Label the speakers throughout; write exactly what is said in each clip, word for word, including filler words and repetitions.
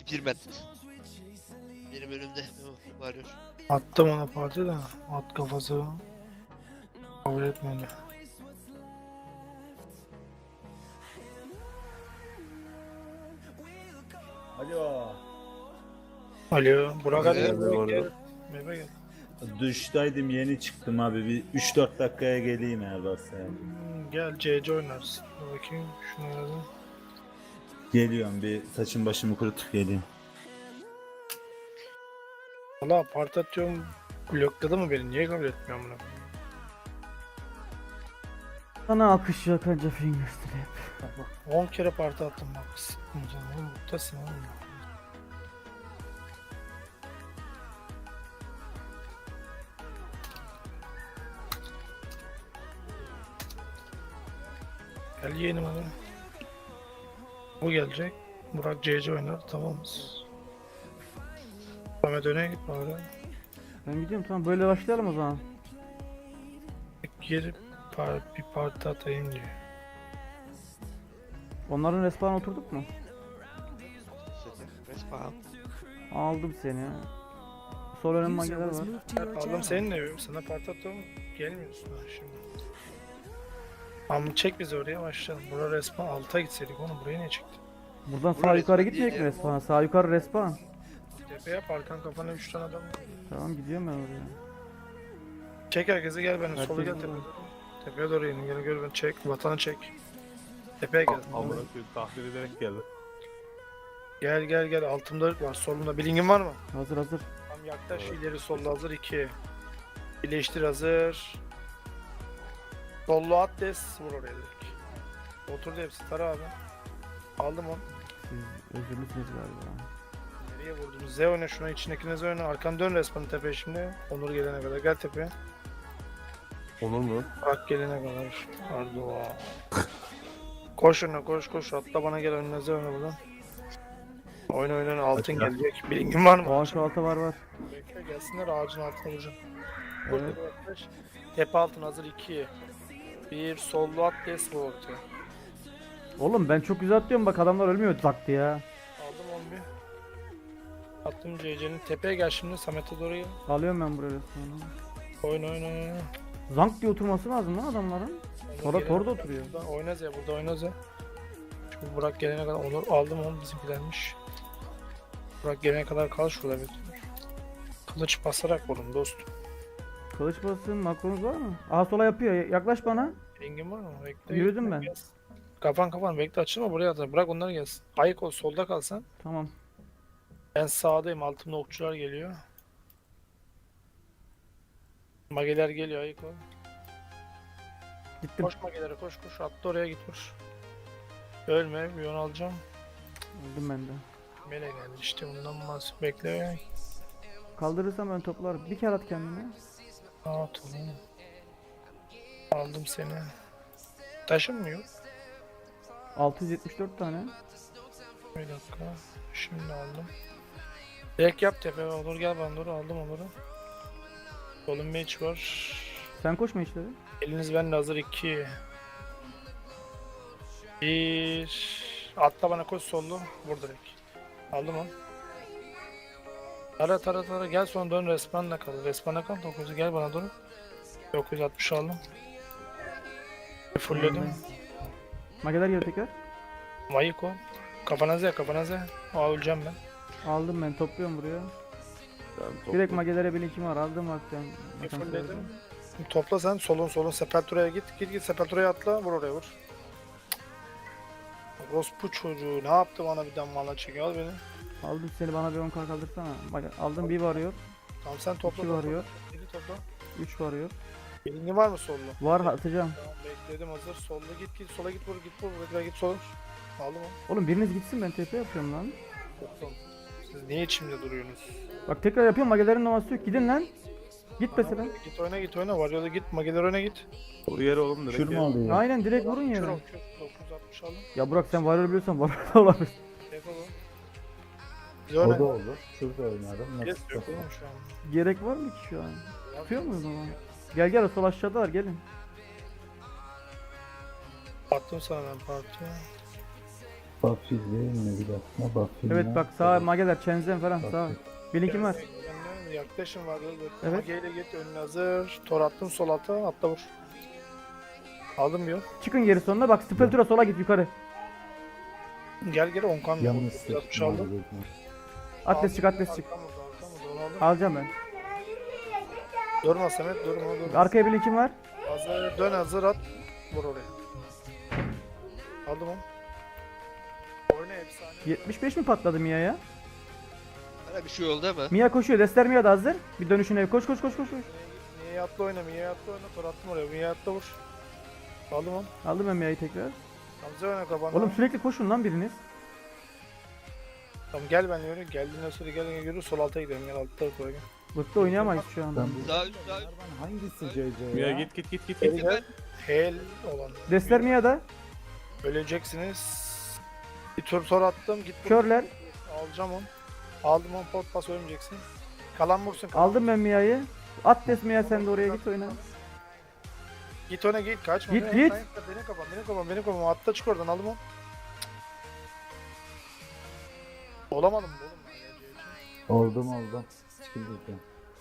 Speaker 1: Tip yirmi. Benim önümde. Oh, bağırıyor.
Speaker 2: Attım ona parti de at kafası kabul etmedi.
Speaker 3: Alo.
Speaker 2: Alo Burak hadi
Speaker 1: Evet,
Speaker 2: gel.
Speaker 3: orada.
Speaker 2: Gel. Meyve gel.
Speaker 3: Duştaydım, yeni çıktım abi. Bir üç dört dakikaya geleyim eğer varsa yani.
Speaker 2: Hmm, Gel C C oynarsın. Dur bakayım şunu aradım.
Speaker 3: Geliyorum, bir saçım başımı kurutup geleyim.
Speaker 2: Valla parti atıyorum. Blokladı mı beni? Niye kabul etmiyorum bunu?
Speaker 4: Sana akış yok anca fingerstyle hep.
Speaker 2: Bak bak on kere parti attım bak. Sıkmayacağım oğlum. Muttasın oğlum. Gel yeğenim hadi. Bu gelecek. Burak C C oynar. Tamamız. Samet öne git bari.
Speaker 4: Ben gidiyorum, tamam böyle başlayalım o zaman.
Speaker 2: Geri par bir parti atayım diyor.
Speaker 4: Onların respawn'a oturduk mu?
Speaker 1: Respawn.
Speaker 4: Aldım seni. Sol önüm
Speaker 5: User
Speaker 4: mageler
Speaker 5: was
Speaker 4: var.
Speaker 5: moved to your
Speaker 2: Aldım
Speaker 5: channel.
Speaker 2: senin de sana parti atıyorum. Gelmiyorsun ha şimdi. Ama çek bizi oraya başlayalım. Buraya resmen alta gitseydik oğlum buraya niye çektin?
Speaker 4: Buradan sağ
Speaker 1: Burası
Speaker 4: yukarı
Speaker 1: değil
Speaker 4: gitmeyecek mi
Speaker 1: ya.
Speaker 4: respawn'a? Sağ yukarı respawn.
Speaker 2: Tepe yap arkan kafana üç tane adam.
Speaker 4: Tamam gidiyorum ben oraya.
Speaker 2: Çek herkesi gel benim
Speaker 4: Herkes
Speaker 2: sola gel
Speaker 4: burada.
Speaker 2: tepeye. Tepeye doğru in gel gör beni çek vatanı çek. Tepeye gel.
Speaker 6: Amına koyayım, tahmin ederek geldi.
Speaker 2: Gel gel gel altımda ırk var solunda bilingin var mı?
Speaker 4: Hazır hazır.
Speaker 2: Tam yaklaş ileri solda hazır iki. Birleştir hazır. Sollu at des vur oraya direkt. Oturdu hepsi tara abi. Aldım onu.
Speaker 4: Siz özürlüsünüz galiba.
Speaker 2: Nereye vurdunuz? Z oyna şuna içindekine Z oyna. Arkan dön resmen tepeye şimdi. Onur gelene kadar gel tepeye.
Speaker 6: Olur mu?
Speaker 2: Bak gelene kadar. Pardon. Koş önüne koş koş. Atla bana gel önüne Z oyna buradan. Oyna oyna altın
Speaker 6: Açık.
Speaker 2: gelecek. Bilgin var mı?
Speaker 4: Aa şu alta var var.
Speaker 2: Bekle gelsinler ağacın altına vuracağım. Koş
Speaker 4: Evet.
Speaker 2: tepeye yaklaş. Tepe altın hazır iki. Bir sollu at des vur ortaya.
Speaker 4: Oğlum ben çok güzel atlıyorum, bak adamlar ölmüyor zaktı ya.
Speaker 2: Aldım on bir. Attım C C'nin tepeye gel şimdi Samet'e doğru gel.
Speaker 4: Alıyorum ben buraya respawn'ı.
Speaker 2: Oyna oyna oyna.
Speaker 4: Zank diye oturması lazım lan adamların.
Speaker 2: Onur
Speaker 4: Tora
Speaker 2: gelene
Speaker 4: torda
Speaker 2: kadar
Speaker 4: oturuyor.
Speaker 2: burada Oynaz ya burada oynaz ya. Şimdi Burak gelene kadar Onur aldım onu bizimkilermiş. Burak gelene kadar kal şurada bir. Kılıç basarak vurun dostum.
Speaker 4: Kılıç basın, makronuz var mı? Aha sola yapıyor, yaklaş bana.
Speaker 2: Rengin var mı? Bekle.
Speaker 4: Yürüdüm
Speaker 2: bekle,
Speaker 4: ben.
Speaker 2: gelsin. Kafan kafan bekle açılma buraya at. Bırak onları gelsin. Ayık ol solda kalsan.
Speaker 4: Tamam.
Speaker 2: Ben sağdayım altımda okçular geliyor. Mageler geliyor ayık ol.
Speaker 4: Gittim.
Speaker 2: Koş magelere koş koş atla oraya git vur. Ölme bir yon alacağım.
Speaker 4: Öldüm ben de.
Speaker 2: Mele geldi işte bundan bahsediyorum. Bekle.
Speaker 4: Kaldırırsam ben toplarım. Bir kere at kendini.
Speaker 2: Aa tamam. Aldım seni. Taşın mı yok?
Speaker 4: altı yüz yetmiş dört tane.
Speaker 2: Bir dakika. Şimdi aldım. Direkt yap tepe olur gel bana doğru aldım onları. Solun match var.
Speaker 4: Sen koşma işleri.
Speaker 2: Eliniz bende hazır iki. Bir. Atla bana koş sollu. Vur direkt. Aldım onu. Tara tara tara gel sonra dön respawn'la kal. Respawn'la kal dokuzu gel bana doğru. dokuz yüz altmış aldım. Fullledim.
Speaker 4: Mageler geri tekrar.
Speaker 2: Mayık o. Kafana Z kafana Z. Aa öleceğim ben.
Speaker 4: Aldım ben, topluyorum buraya.
Speaker 6: Ben
Speaker 4: Direkt magelere bir linkim var, aldım bakacağım.
Speaker 2: Bir fullledim. Şimdi topla sen solun solun Sepultura'ya git. Git git Sepultura'ya atla vur oraya vur. Rospu çocuğu ne yaptı bana bir damla çekiyor al beni.
Speaker 4: Aldım seni, bana bir on k kaldırsana. Bak aldım, bir varıyor,
Speaker 2: Tamam sen topla
Speaker 4: iki
Speaker 2: topla.
Speaker 4: varıyor,
Speaker 2: Beni topla.
Speaker 4: üç varıyor.
Speaker 2: Elini var mı sollu?
Speaker 4: Var, atacağım.
Speaker 2: Tamam bekledim hazır. Sollu git git sola git vur git vur bekle git sola. Aldım onu.
Speaker 4: Oğlum biriniz gitsin, ben T P yapıyorum lan.
Speaker 2: Toplam. Siz niye içimde duruyorsunuz?
Speaker 4: Bak tekrar yapıyorum, magelerin numarası yok, gidin lan. Git mesela.
Speaker 2: Tamam, git oyna git oyna var ya da git Mageler oyna git.
Speaker 6: Doğru yere oğlum direkt.
Speaker 3: Kür mü
Speaker 6: ya.
Speaker 3: alıyor?
Speaker 4: Aynen direkt vurun
Speaker 2: Kür
Speaker 4: yere.
Speaker 2: ol kür. dokuz yüz altmış aldım.
Speaker 4: Ya Burak sen varıyor biliyorsan var da olabilir.
Speaker 2: Defol o. Biz
Speaker 3: O da
Speaker 2: oyna.
Speaker 3: olur. Şurada oynarım.
Speaker 2: Yes
Speaker 3: Nasıl?
Speaker 2: yok oğlum şu an.
Speaker 4: Gerek var mı ki şu an? Yapıyor muyuz ama? Gel gel, sol aşağıdalar, gelin.
Speaker 2: Attım sana ben parti.
Speaker 3: Buffy değil mi bir dakika? Buffy
Speaker 4: Evet
Speaker 3: ne?
Speaker 4: bak sağ mageler çenzen falan sağ. Bilinkim var.
Speaker 2: Önüne yaklaşım var. Evet.
Speaker 4: Evet.
Speaker 2: Mageyle git önüne hazır. Tor attım sol ata atla vur. Aldım bir yol.
Speaker 4: Çıkın geri sonuna bak Speltura sola git yukarı.
Speaker 2: Gel gel on kan.
Speaker 3: Yalnız
Speaker 2: Yapmış aldım.
Speaker 4: Atlas çık atlas çık.
Speaker 2: Arkam vurdu, arkam vurdu, onu aldım.
Speaker 4: Alacağım ben.
Speaker 2: Durma Samet durma durma.
Speaker 4: Arkaya bilinkim var.
Speaker 2: Hazır dön hazır at. Vur oraya. Aldım onu. Oyna efsane.
Speaker 4: yetmiş beş mi patladı Mia'ya?
Speaker 1: Bana bir şey oldu ama.
Speaker 4: Mia koşuyor. Destler Mia da hazır. Bir dönüşüne koş koş koş koş koş.
Speaker 2: Niye atla oyna, niye atla oyna. Tor attım oraya, niye atla vur. Aldım onu.
Speaker 4: Aldım ben Mia'yı tekrar.
Speaker 2: Hamza oyna kapandı.
Speaker 4: Oğlum sürekli koşun lan biriniz.
Speaker 2: Tamam gel ben yürü. Geldiğinden sonra gel gel yürü. Sol alta gidelim. Gel altta koy gel.
Speaker 4: Bıktı oynayamayız şu anda.
Speaker 3: Ben bu
Speaker 1: Sağ üst sağ üst.
Speaker 3: hangisi C C
Speaker 6: Mia
Speaker 3: ya?
Speaker 6: git git git git
Speaker 2: Geri
Speaker 6: git.
Speaker 2: gel. Hel olan.
Speaker 4: Destler Mia'da.
Speaker 2: Öleceksiniz. Bir tur tor attım. Git.
Speaker 4: Körler.
Speaker 2: Alacağım onu. Aldım onu pot pas ölmeyeceksin. Kalan vursun. Kalan.
Speaker 4: Aldım ben Mia'yı. Atlas Mia sen de oraya git oyna.
Speaker 2: Git ona git. Kaçma.
Speaker 4: Git,
Speaker 2: Beni-
Speaker 4: git.
Speaker 2: Beni kapan. Beni kapan. Beni kapan. Atla çık oradan. Aldım onu. Olamadım bu oğlum.
Speaker 3: Oldum oldum. Çıkıldı.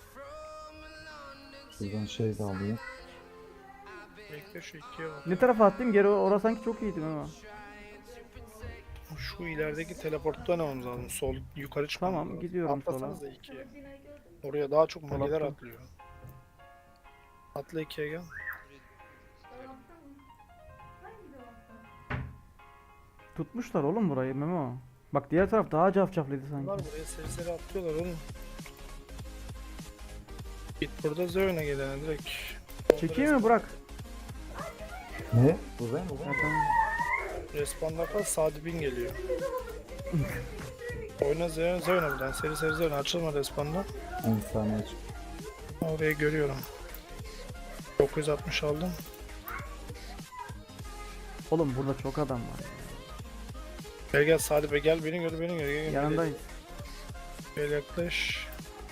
Speaker 3: Buradan şey de alayım.
Speaker 2: Bekle şu ikiye bak.
Speaker 4: Ne tarafa attım geri orası sanki çok iyiydim ama.
Speaker 2: Şu ilerideki teleportta ne olmamız lazım? Sol yukarı çıkmam
Speaker 4: Tamam,
Speaker 2: lazım.
Speaker 4: gidiyorum
Speaker 2: Atlasanız
Speaker 4: sola.
Speaker 2: da ikiye. Oraya daha çok
Speaker 4: Sola
Speaker 2: mageler
Speaker 4: attım.
Speaker 2: atlıyor. Atla ikiye gel.
Speaker 4: Tutmuşlar oğlum burayı Memo. Bak diğer taraf daha cafcaflıydı
Speaker 2: Bunlar
Speaker 4: sanki.
Speaker 2: buraya seri seri atlıyorlar oğlum. Git burada Zöğün'e gelene direkt.
Speaker 4: Çekeyim mi Burak?
Speaker 3: Ne? Bu ben bu
Speaker 4: Ha,
Speaker 3: ben.
Speaker 4: tamam.
Speaker 2: Respawn'da kal Sadi Bin geliyor. Oyna Zöğün, Zöğün'e buradan seri seri Zöğün'e açılma Respawn'da.
Speaker 3: on saniye çık.
Speaker 2: Orayı görüyorum. dokuz yüz altmış aldım.
Speaker 4: Oğlum burada çok adam var.
Speaker 2: Gel gel Sadi Bey gel beni gör beni gör. Gel, gel,
Speaker 4: Yanındayız.
Speaker 2: Gel yaklaş.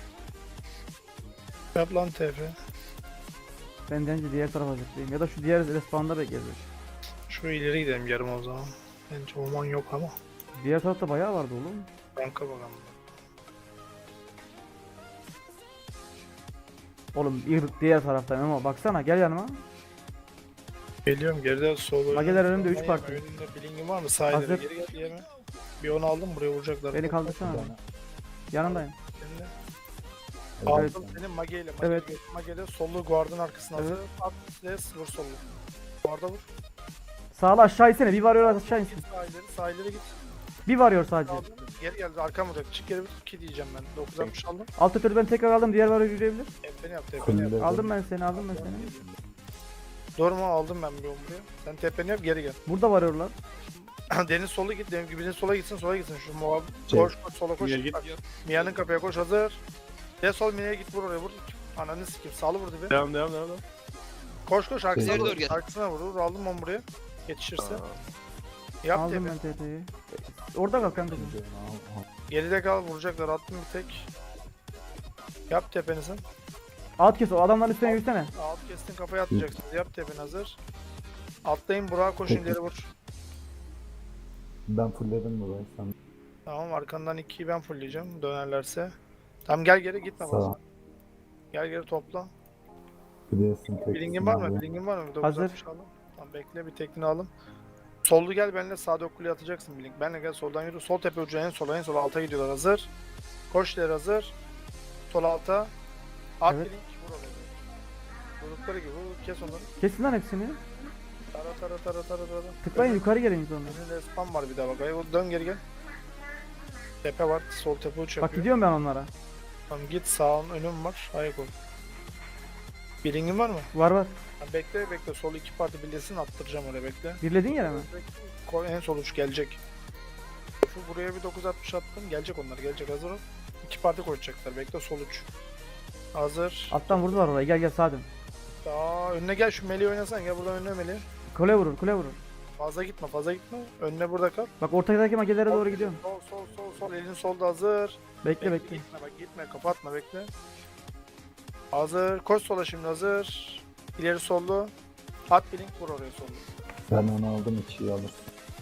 Speaker 2: Yap lan T F.
Speaker 4: Ben bence diğer tarafa zıplayayım. Ya da şu diğer respawn'da bekleriz.
Speaker 2: Şu ileri gidelim yarım o zaman. Bence orman yok ama.
Speaker 4: Diğer tarafta bayağı vardı oğlum.
Speaker 2: Banka bakalım.
Speaker 4: Oğlum ırk diğer tarafta Memo. Baksana gel yanıma.
Speaker 2: Geliyorum geride sol.
Speaker 4: Mageler
Speaker 2: önünde.
Speaker 4: önümde, üç
Speaker 2: Yeme,
Speaker 4: parti.
Speaker 2: Önünde bilingin var mı? Sağ ileri
Speaker 4: Hazır.
Speaker 2: geri gel yeme. Bir onu aldım buraya vuracaklar.
Speaker 4: Beni kaldırsana. Yanındayım.
Speaker 2: Seninle.
Speaker 3: Evet.
Speaker 2: Aldım senin mageyle.
Speaker 4: Evet.
Speaker 2: Mageyle, mageyle sollu guardın arkasına
Speaker 4: Evet.
Speaker 2: hazır. At des vur sollu. Guarda vur.
Speaker 4: Sağla aşağı insene. Bir varıyor aşağı insin.
Speaker 2: Sağ ileri sağ ileri git.
Speaker 4: Bir varıyor sadece.
Speaker 2: Aldım. Geri geldi arkam vuracak. Çık geri bir iki diyeceğim ben. dokuz altmış aldım.
Speaker 4: Alt ötürü ben tekrar aldım. Diğer varıyor yürüyebilir.
Speaker 2: Tepeni yap tepeni yap.
Speaker 3: Kulübe.
Speaker 4: Aldım ben seni aldım ben seni.
Speaker 2: Durma aldım ben bir onu buraya. Sen tepeni yap geri gel.
Speaker 4: Burada varıyorlar.
Speaker 2: Deniz solu git. Deniz gibinin sola gitsin sola gitsin. Şu muhab
Speaker 3: Şey.
Speaker 2: koş koş sola koş.
Speaker 6: Mia git.
Speaker 2: Bak, Mia'nın kapıya koş hazır. De sol Mia'ya git vur oraya vur. Ananı sikeyim sağlı vurdu bir.
Speaker 6: Devam devam devam. devam.
Speaker 2: Koş koş arkasına
Speaker 1: İleri
Speaker 2: vur.
Speaker 1: doğru gel.
Speaker 2: Arkasına vur. vur. Aldım onu buraya. Yetişirse.
Speaker 6: Aa,
Speaker 2: Yap
Speaker 4: Aldım
Speaker 2: tepe.
Speaker 4: ben T T'yi. Orada kal kanka.
Speaker 2: Geride kal vuracaklar. Attım bir tek. Yap tepeni sen.
Speaker 4: Alt kes o adamların üstüne yürüsene.
Speaker 2: Alt kestin kafaya atacaksın. Yap tepeni hazır. Atlayın Burak'a koşun
Speaker 3: Peki.
Speaker 2: ileri vur.
Speaker 3: Ben fullledim burayı sen.
Speaker 2: Tamam arkandan ikiyi ben fullleyeceğim dönerlerse. Tamam gel geri gitme
Speaker 3: Sağ
Speaker 2: fazla.
Speaker 3: ol.
Speaker 2: Gel geri topla.
Speaker 3: Biliyorsun tek.
Speaker 2: Bilingin var mı? Bilingin var mı?
Speaker 4: Hazır.
Speaker 2: dokuz altmış aldım. Tamam bekle bir tekniğini alın. Sollu gel benimle sağda kuleye atacaksın Bilink. Benle gel soldan yürü. Sol tepe ucu en sola en sola alta gidiyorlar hazır. Koş ileri hazır. Sol alta. At
Speaker 4: Evet.
Speaker 2: Bilink vur oraya. Vurdukları gibi vur kes onları.
Speaker 4: Kesin lan hepsini.
Speaker 2: Tara tara tara tara tara.
Speaker 4: Tıklayın yukarı gelin sonra.
Speaker 2: Önünde spam var bir daha bak. Ay, dön geri gel. Tepe var. Sol tepe uç
Speaker 4: Bak
Speaker 2: yapıyor.
Speaker 4: gidiyorum ben onlara.
Speaker 2: Tamam git sağın önüm var. Ayak ol. Bilingin var mı?
Speaker 4: Var var.
Speaker 2: Ha, bekle bekle. Sol iki parti birleşsin attıracağım oraya bekle.
Speaker 4: Birledin yere mi?
Speaker 2: Ko- En sol uç gelecek. Şu buraya bir dokuz altmış attım. Gelecek onlar. Gelecek hazır ol. İki parti koşacaklar. Bekle sol uç. Hazır.
Speaker 4: Alttan vurdular oraya. Gel gel sağa dön.
Speaker 2: Daha önüne gel şu meleği oynasan. Gel buradan önüne meleği.
Speaker 4: Kule vurur kule vurur.
Speaker 2: Fazla gitme fazla gitme. Önüne burada kal.
Speaker 4: Bak ortadaki magelere doğru gidiyorum.
Speaker 2: Sol sol sol sol. Elin solda hazır.
Speaker 4: Bekle bekle.
Speaker 2: Gitme bak gitme. Kapatma bekle. Hazır. Koş sola şimdi hazır. İleri sollu. At bir link vur oraya sollu.
Speaker 3: Ben onu aldım ikiyi alırsın.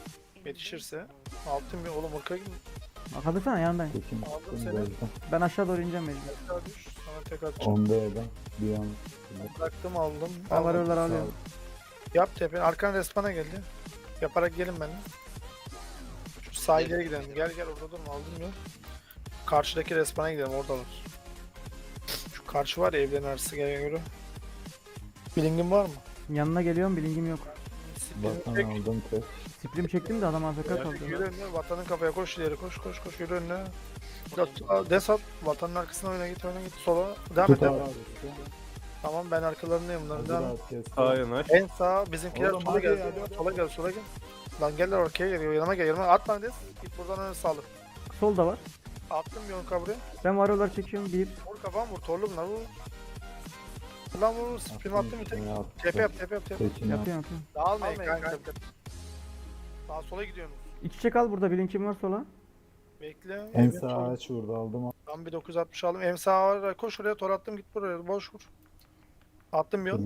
Speaker 2: Yetişirse. Altın bir oğlum ırka gidin.
Speaker 4: Bak hazırsana yanındayım.
Speaker 3: Tekin
Speaker 2: Aldım
Speaker 3: attım
Speaker 2: seni.
Speaker 3: gözden.
Speaker 4: Ben aşağı doğru ineceğim mecbur.
Speaker 2: Tekrar düş. Sana tek atacağım.
Speaker 3: Onda eden bir an.
Speaker 2: Bıraktım aldım.
Speaker 4: Ben
Speaker 2: aldım.
Speaker 4: varıyorlar alıyorum.
Speaker 2: Yap tepe. Arkan respana geldi. Yaparak gelin benimle. Şu sahillere gidelim. Gel gel orada durma aldım ya. Karşıdaki respana gidelim oradalar. Şu karşı var ya evlerin arası gel göre. Bilingin var mı?
Speaker 4: Yanına geliyorum bilingim yok.
Speaker 3: Vatan
Speaker 2: Çek.
Speaker 3: aldım tek.
Speaker 4: Sprim çektim de adam A F K
Speaker 2: Yani
Speaker 4: kaldı.
Speaker 2: yürü önüne vatanın kafaya koş ileri koş koş koş yürü önüne. Biraz des at vatanın arkasına oyna git oyna git sola. Devam et.
Speaker 3: Tut abi.
Speaker 2: devam et. Tamam ben arkalarındayım bunların
Speaker 3: Hazır
Speaker 2: devam et.
Speaker 3: abi, kes.
Speaker 6: Sağa yanaş.
Speaker 2: En sağ bizimkiler
Speaker 3: Oğlum
Speaker 2: sola
Speaker 3: hadi
Speaker 2: gel.
Speaker 3: ya.
Speaker 2: Sola gel sola gel. Lan gel lan ortaya geliyor yanıma gel yanıma atma des. Git buradan öne sağlı.
Speaker 4: Solda var.
Speaker 2: Attım bir on kabrı.
Speaker 4: Ben varıyorlar çekiyorum. Bir.
Speaker 2: Vur kafam vur torlu bunlar vur. Lan vur spin attım bir tek.
Speaker 3: Tepe
Speaker 2: Tepe yap tepe yap tepe.
Speaker 3: Tekin yap.
Speaker 4: Yapıyorum yapıyorum.
Speaker 2: Dağılmayın kanka. Sağa sola gidiyorsunuz.
Speaker 4: İç içe kal burada bilingim var sola.
Speaker 2: Bekle.
Speaker 3: En
Speaker 2: Evin
Speaker 3: sağ
Speaker 2: solu.
Speaker 3: ağaç vurdu aldım.
Speaker 2: Ben bir dokuz altmış aldım. En sağa var. Koş oraya tor attım git buraya. Boş vur. Attım bir yol.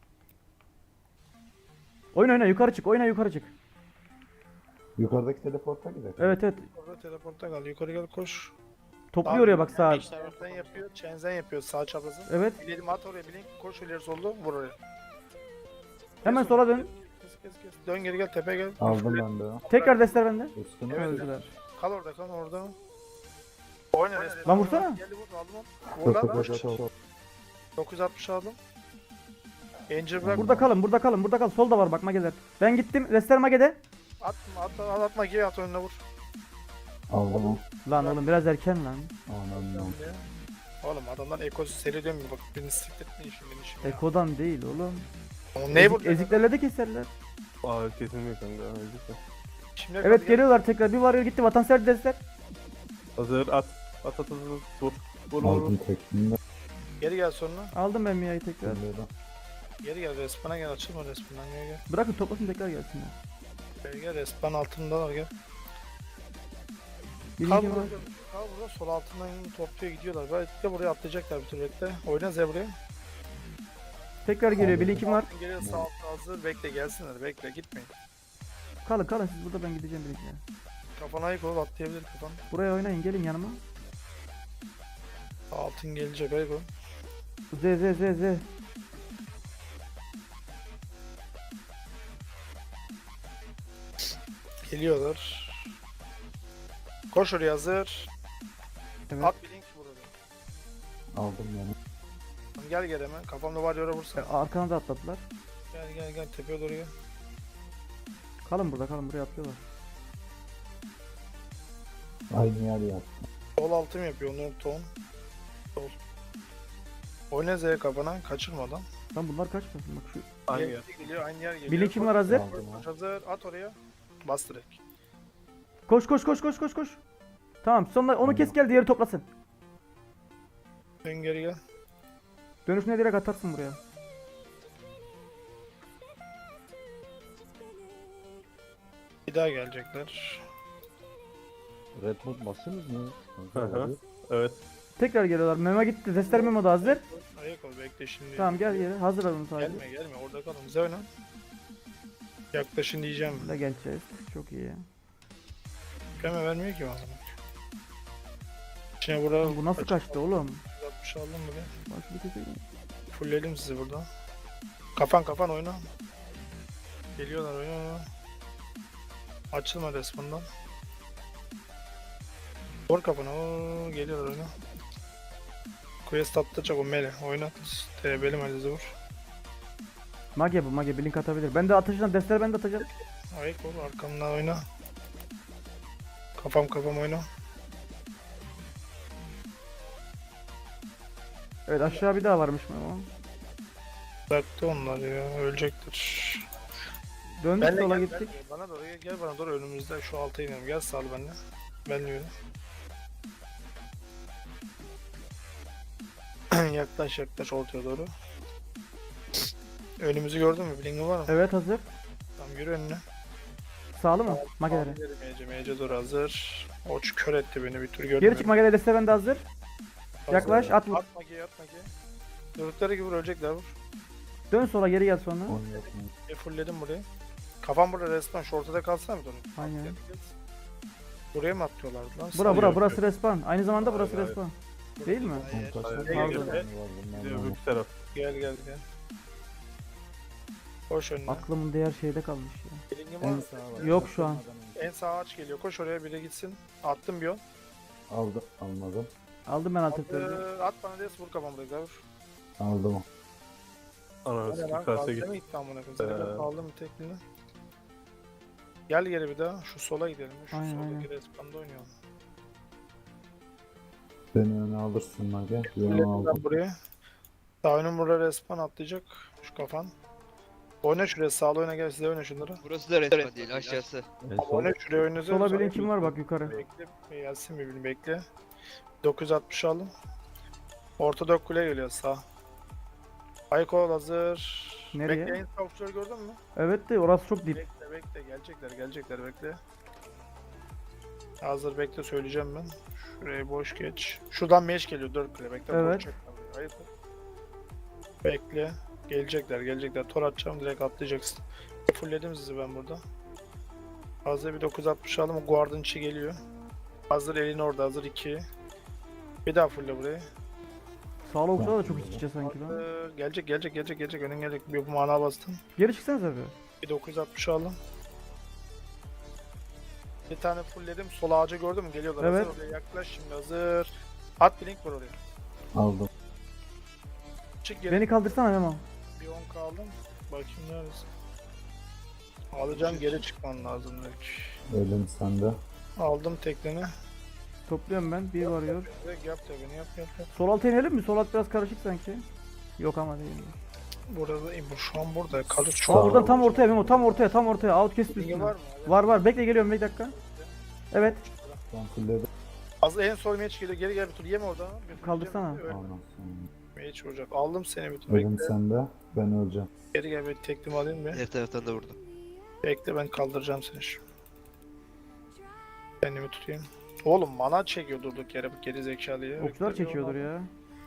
Speaker 4: Oyna oyna yukarı çık. Oyna yukarı çık.
Speaker 3: Yukarıdaki teleporta gidelim.
Speaker 4: Evet evet.
Speaker 2: Orada teleporta kal. Yukarı gel koş.
Speaker 4: Topluyor oraya bak sağa.
Speaker 2: Çenzen yapıyor. Çenzen yapıyor sağ çaprazı.
Speaker 4: Evet.
Speaker 2: Bilelim at oraya bilin. Koş ileri solda vur oraya.
Speaker 4: Hemen sola dön.
Speaker 2: Kes kes kes. Dön geri gel tepe gel.
Speaker 3: Aldım ben de.
Speaker 4: Tekrar destler bende.
Speaker 3: Üstüne
Speaker 2: Evet.
Speaker 4: Öldüler.
Speaker 2: Kal orada kal orada. Oyna resmen.
Speaker 4: Lan vursana.
Speaker 2: Geldi vur aldım onu. Vur
Speaker 3: çok
Speaker 2: lan.
Speaker 3: çok çok.
Speaker 2: dokuz altmış aldım. Angel bırak.
Speaker 4: Burada kalın burada kalın burada kal. Solda var bak mageler. Ben gittim. Destler magede.
Speaker 2: Atma atma at, atma geri at önüne vur.
Speaker 3: Aldım o.
Speaker 4: Lan oğlum biraz erken lan.
Speaker 3: Anladım.
Speaker 2: Oğlum adamdan ekosu seri dönmüyor bak birini sikletmeyin şimdi beni şimdi.
Speaker 4: Ekodan değil oğlum.
Speaker 2: Oğlum ne
Speaker 4: Ezik,
Speaker 2: bu?
Speaker 4: eziklerle de keserler.
Speaker 6: Aa kesilmiyor kanka. Öyle.
Speaker 2: Şimdi
Speaker 4: Evet geliyorlar tekrar. Bir varıyor gitti. Vatansever destler.
Speaker 6: Hazır at. At at at at. Vur. Vur vur.
Speaker 3: Aldım tekini de.
Speaker 2: Geri gel sonra.
Speaker 4: Aldım ben Mia'yı tekrar.
Speaker 3: Böyle.
Speaker 2: Geri gel respana gel açılma respawn'dan gel gel.
Speaker 4: Bırakın toplasın tekrar gelsinler.
Speaker 2: Gel gel respawn altındalar gel. Kal
Speaker 4: Birinci
Speaker 2: burada,
Speaker 4: var.
Speaker 2: kal burada sol altından topluyor gidiyorlar. Belki de buraya atlayacaklar bir tür bekle. Oyna Zebra'ya.
Speaker 4: Tekrar geliyor. Bilinkim var.
Speaker 2: Geliyor sağ altta hazır bekle gelsinler bekle gitmeyin.
Speaker 4: Kalın kalın siz burada ben gideceğim bilinkime.
Speaker 2: Kafana ayık ol atlayabilir kafan.
Speaker 4: Buraya oynayın gelin yanıma.
Speaker 2: Altın gelecek ayık ol.
Speaker 4: Z z z z.
Speaker 2: Geliyorlar. Koş oraya hazır.
Speaker 4: Evet.
Speaker 2: At bir link burada.
Speaker 3: Aldım yani.
Speaker 2: Gel gel hemen. Kafamda var yere vursa.
Speaker 4: E, Arkana da atladılar.
Speaker 2: Gel gel gel tepeye doğru gel.
Speaker 4: Kalın burada kalın buraya atlıyorlar.
Speaker 3: Aynı yer yaptım.
Speaker 2: Sol altım yapıyor onların ton. Sol. Oyna Z kafana kaçırmadan.
Speaker 4: Lan bunlar kaçmasın bak şu.
Speaker 6: Aynı
Speaker 2: Yer
Speaker 6: yer.
Speaker 2: geliyor aynı yer geliyor.
Speaker 4: Bilinkim var hazır.
Speaker 3: Aldım
Speaker 2: Koş
Speaker 3: o.
Speaker 2: hazır at oraya. Bas direkt.
Speaker 4: Koş koş koş koş koş koş. Tamam sonra onu kes gel diğeri toplasın.
Speaker 2: Dön geri gel.
Speaker 4: Dönüşüne direkt atarsın buraya.
Speaker 2: Bir daha gelecekler.
Speaker 3: Red Bull basınız mı?
Speaker 6: Hı hı. Evet.
Speaker 4: Tekrar geliyorlar. Memo gitti. Destler Memo da hazır.
Speaker 2: Ayak ol bekle şimdi.
Speaker 4: Tamam gel geri. Hazır alın sadece.
Speaker 2: Gelme gelme orada kalın. Bize oyna. Yaklaşın diyeceğim.
Speaker 4: Burada geleceğiz. Çok iyi.
Speaker 2: Keme vermiyor ki bana. Şimdi burada
Speaker 4: Bu nasıl kaçtı oğlum?
Speaker 2: altmış aldım mı be?
Speaker 4: Bak bir keseyim.
Speaker 2: Fullledim sizi burada. Kafan kafan oyna. Geliyorlar oyna. Açılma resminden. Vur kafana. Oo, geliyorlar oyna. Quest atlayacak o mele. Oynat. T B'li melezi vur.
Speaker 4: Mage bu mage. Blink atabilir. Ben de atacağım. Destler ben de atacağım.
Speaker 2: Ayık ol arkamdan oyna. Kafam kafam oyna.
Speaker 4: Evet aşağı bir daha varmış Memo.
Speaker 2: Bıraktı onlar ya. Ölecektir.
Speaker 4: Döndük
Speaker 2: Benle
Speaker 4: sola
Speaker 2: gel,
Speaker 4: gittik.
Speaker 2: benle. Bana doğru gel, gel bana doğru önümüzde şu alta inelim. Gel sağ ol benimle. Benle yürü. yaklaş yaklaş ortaya doğru. Önümüzü gördün mü? Bling'in var mı?
Speaker 4: Evet hazır.
Speaker 2: Tamam yürü önüne.
Speaker 4: Sağlı mı? Magelere.
Speaker 2: Mece mece doğru hazır. Oç kör etti beni bir tür görmüyorum.
Speaker 4: Geri çık Magelere. Destler bende hazır. Yaklaş at vur.
Speaker 2: At magiye at magiye. Durdukları gibi vur ölecekler vur.
Speaker 4: Dön sola geri gel sonra.
Speaker 3: Onu yapmayın.
Speaker 2: E fullledim burayı. Kafam burada resmen şu ortada kalsana bir dönüp.
Speaker 4: Aynen.
Speaker 2: Buraya mı atlıyorlardı lan?
Speaker 4: Bura bura
Speaker 6: Yok,
Speaker 4: burası
Speaker 6: yok.
Speaker 4: respawn. Aynı zamanda
Speaker 6: Hayır,
Speaker 4: burası
Speaker 6: hayır.
Speaker 4: respawn. Değil mi?
Speaker 1: Hayır.
Speaker 6: Hayır.
Speaker 2: Gel,
Speaker 4: Pardon.
Speaker 2: gel, gel.
Speaker 6: Bir de öbür taraf.
Speaker 2: Gel gel gel. Koş önüne.
Speaker 4: Aklımın diğer şeyde kalmış ya.
Speaker 2: Elingin var
Speaker 3: En
Speaker 2: mı?
Speaker 3: sağ var.
Speaker 4: Yok şu an.
Speaker 2: En sağ ağaç geliyor. Koş oraya biri gitsin. Attım bir on.
Speaker 3: Aldım. Almadım.
Speaker 4: Aldım ben altı
Speaker 2: Ee, at bana des vur kafamı da gavur.
Speaker 3: Aldım.
Speaker 6: Ananı
Speaker 2: Hadi
Speaker 6: sikim
Speaker 2: lan
Speaker 6: kase
Speaker 2: kalsana
Speaker 6: git.
Speaker 2: gitti amına koyayım. Seni ben
Speaker 6: Ee.
Speaker 2: aldım teklini. Gel geri bir daha. Şu sola gidelim. Şu
Speaker 4: Aynen,
Speaker 2: soldaki
Speaker 4: aynen.
Speaker 2: respanda oynayalım.
Speaker 3: Beni öne alırsın Mage. Ben
Speaker 2: Gelelim
Speaker 3: aldım.
Speaker 2: ben buraya. Sağ önüm burada respawn atlayacak. Şu kafan. Oyna şuraya. Sağlı oyna gel size oyna şunları.
Speaker 1: Burası da resmen değil aşağısı.
Speaker 3: En
Speaker 2: Ama
Speaker 3: son
Speaker 2: oyna şuraya oyna.
Speaker 4: Sola bilen kim var bak yukarı.
Speaker 2: Bekle. Gelsin bir birini bekle. dokuz yüz altmış aldım. Ortada kule geliyor sağ. Aykol hazır.
Speaker 4: Nereye?
Speaker 2: Bekle en sağ okçuları gördün mü?
Speaker 4: Evet de orası çok dip.
Speaker 2: Bekle bekle gelecekler gelecekler bekle. Hazır bekle söyleyeceğim ben. Şuraya boş geç. Şuradan meş geliyor dört kule bekle.
Speaker 4: Evet.
Speaker 2: boş çekme buraya, ayıp. Bekle. Gelecekler gelecekler. Tor atacağım direkt atlayacaksın. Fullledim sizi ben burada. Hazır bir dokuz yüz altmış aldım. O guardın içi geliyor. Hazır elin orada hazır iki. Bir daha fulle burayı.
Speaker 4: Sağlı okçular da çok iç içe sanki lan.
Speaker 2: Hazır. Gelecek gelecek gelecek gelecek. Önün gelecek. Bir mana bastım.
Speaker 4: Geri çıksanıza bir.
Speaker 2: Bir dokuz yüz altmış aldım. Bir tane fullledim. Sol ağaca gördün mü? Geliyorlar.
Speaker 4: Evet.
Speaker 2: Hazır oraya yaklaş şimdi hazır. At bir link var oraya.
Speaker 3: aldım.
Speaker 2: Çık geri.
Speaker 4: Beni kaldırsana Memo.
Speaker 2: Bir on kaldım. Bakayım neredesin? Alacağım geri çıkman lazım belki.
Speaker 3: Elim sende.
Speaker 2: Aldım tekleni.
Speaker 4: Topluyorum ben. Bir varıyor.
Speaker 2: Direkt yap tekini yap yap yap.
Speaker 4: Sol alta inelim mi? Sol alt biraz karışık sanki. Yok ama değil.
Speaker 2: Burada bu şu an burada. Kalır
Speaker 4: Şu
Speaker 2: şu
Speaker 4: an
Speaker 2: an.
Speaker 4: buradan tam ortaya Memo. Tam ortaya tam ortaya. Outcast
Speaker 2: Bilgi
Speaker 4: üstüne.
Speaker 2: var mı?
Speaker 4: Var var. Bekle geliyorum bir dakika. Evet.
Speaker 3: Ben fulledim.
Speaker 2: Az en sol meç geliyor. Geri gel bir tur yeme orada. Bir tur
Speaker 4: Kaldırsana.
Speaker 2: yeme. Öyle.
Speaker 3: Ondan sonra.
Speaker 2: Meç vuracak. Aldım seni bir tur.
Speaker 3: Elim
Speaker 2: Bekle.
Speaker 3: sende. Ben öleceğim.
Speaker 2: Geri gel bir teklimi alayım bir.
Speaker 1: Her taraftan da vurdum.
Speaker 2: Bekle ben kaldıracağım seni şimdi. Kendimi tutayım. Oğlum mana çekiyor durduk yere bu geri zekalıyı.
Speaker 4: Okçular
Speaker 2: Bekle bir
Speaker 4: çekiyordur
Speaker 2: ona.
Speaker 4: ya.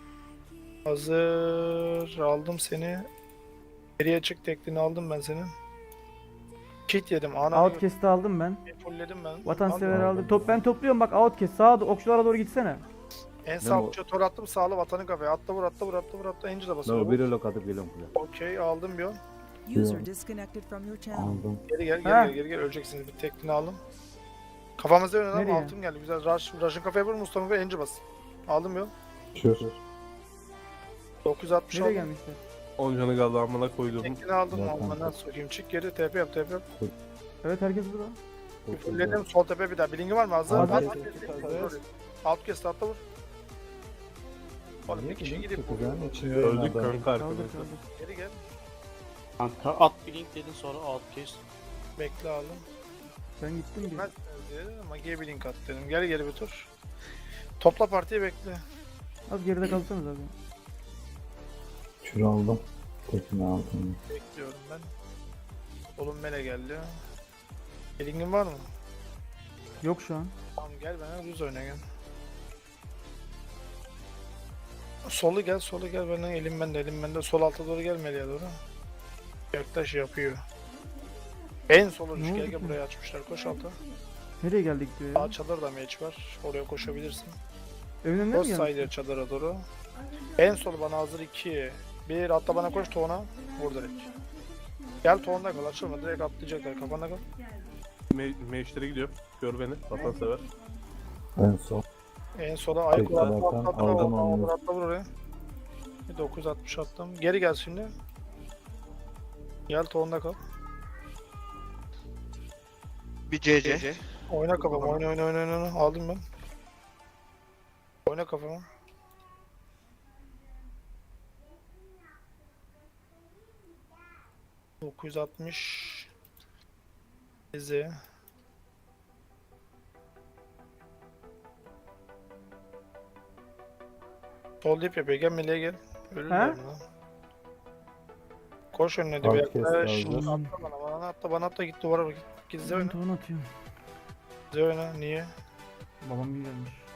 Speaker 2: Hazır aldım seni. Geriye çık teklini aldım ben senin. Kit yedim ana.
Speaker 4: Outcast'ı aldım ben.
Speaker 2: Fullledim ben.
Speaker 4: Vatansever
Speaker 2: Aldım.
Speaker 4: aldım. Top ben topluyorum bak Outcast. Sağa okçulara doğru gitsene.
Speaker 2: En sağ
Speaker 3: Ben o-
Speaker 2: okçuya tor attım sağlı vatanın kafaya. Atla vur atla vur atla vur atla. Angel basıyor.
Speaker 3: No, biri lok atıp geliyorum buraya.
Speaker 2: Okey aldım bir on.
Speaker 5: User disconnected from your channel.
Speaker 3: Aldım.
Speaker 2: Geri gel geri
Speaker 4: Ha.
Speaker 2: gel geri gel öleceksiniz bir teklini aldım. Kafamızda yönelen
Speaker 4: Nereye?
Speaker 2: altım geldi güzel. Rush, Rush'ın kafaya vur Mustafa ve Angel bas. Aldım bir on.
Speaker 3: Şur.
Speaker 2: dokuz yüz altmış
Speaker 4: Nereye
Speaker 2: aldım.
Speaker 4: gelmişler?
Speaker 6: on canı kaldı amına koydum.
Speaker 2: Teklini aldım
Speaker 3: Zaten-
Speaker 2: almandan sokayım. Çık geri T P yap T P yap.
Speaker 4: Evet herkes burada.
Speaker 2: Bir fulledim sol tepe bir daha. Bilingi var mı? Hazır.
Speaker 4: Hazır.
Speaker 2: At,
Speaker 3: Hazır.
Speaker 2: Hazır. Alt kes atla vur. Oğlum bir kişi gidip
Speaker 3: Çok
Speaker 2: vuruyor.
Speaker 3: güzel. İçinde
Speaker 6: Öldük
Speaker 3: adam.
Speaker 6: kanka
Speaker 4: Kaldır
Speaker 6: arkadaşlar.
Speaker 4: kaldır.
Speaker 2: Geri gel.
Speaker 7: Kanka at bir link dedin sonra alt kes.
Speaker 2: Bekle aldım.
Speaker 4: Ben gittim bir.
Speaker 2: Ben Magi'ye bir link at dedim. Geri geri bir tur. Topla partiyi bekle.
Speaker 4: Az geride kalsanız abi.
Speaker 3: Şur aldım. Tekini aldım.
Speaker 2: Bekliyorum ben. Oğlum mele geldi. Elingin var mı?
Speaker 4: Yok şu an.
Speaker 2: Tamam gel bana düz oyna gel. Solu gel, solu gel benden elim bende, elim bende. Sol alta doğru gel Mele'ye doğru. Yaklaş yapıyor. En sol uç
Speaker 4: Ne
Speaker 2: gel
Speaker 4: oldu
Speaker 2: gel
Speaker 4: ki?
Speaker 2: buraya açmışlar koş alta.
Speaker 4: Nereye geldik diyor ya.
Speaker 2: Sağ çadır da meç var. Oraya koşabilirsin.
Speaker 4: Evin önüne mi
Speaker 2: Koş
Speaker 4: geldik?
Speaker 2: sayılır çadıra doğru. En sol bana hazır iki. Bir atla bana koş Toğan'a. Vur direkt. Gel Toğan'da kal açılma direkt atlayacaklar kafanda kal.
Speaker 6: Me Meşlere gidiyorum. Gör beni. Vatansever.
Speaker 3: En son.
Speaker 2: En sola ayak
Speaker 3: Peki,
Speaker 2: atla
Speaker 3: zaten
Speaker 2: atla atla
Speaker 3: aldım
Speaker 2: atla
Speaker 3: onu.
Speaker 2: atla atla vur oraya. Bir dokuz yüz altmış attım. Geri gel şimdi. Gel Toğan'da kal.
Speaker 1: Bir C C.
Speaker 2: Oyna kafama oyna oyna oyna oyna. Aldım ben. Oyna kafama. dokuz yüz altmış Eze. Sol dip yapıyor. Gel meleğe gel. Ölürler
Speaker 4: He?
Speaker 2: lan. Koş önüne de bir
Speaker 3: Alt kes
Speaker 2: yaklaş.
Speaker 3: lazım.
Speaker 2: Atla bana bana atla bana atla git duvara bak. Git Z
Speaker 4: Ben
Speaker 2: oyna.
Speaker 4: tuğunu atıyorum.
Speaker 2: Z oyna. Niye?
Speaker 4: Babam iyi gelmiş.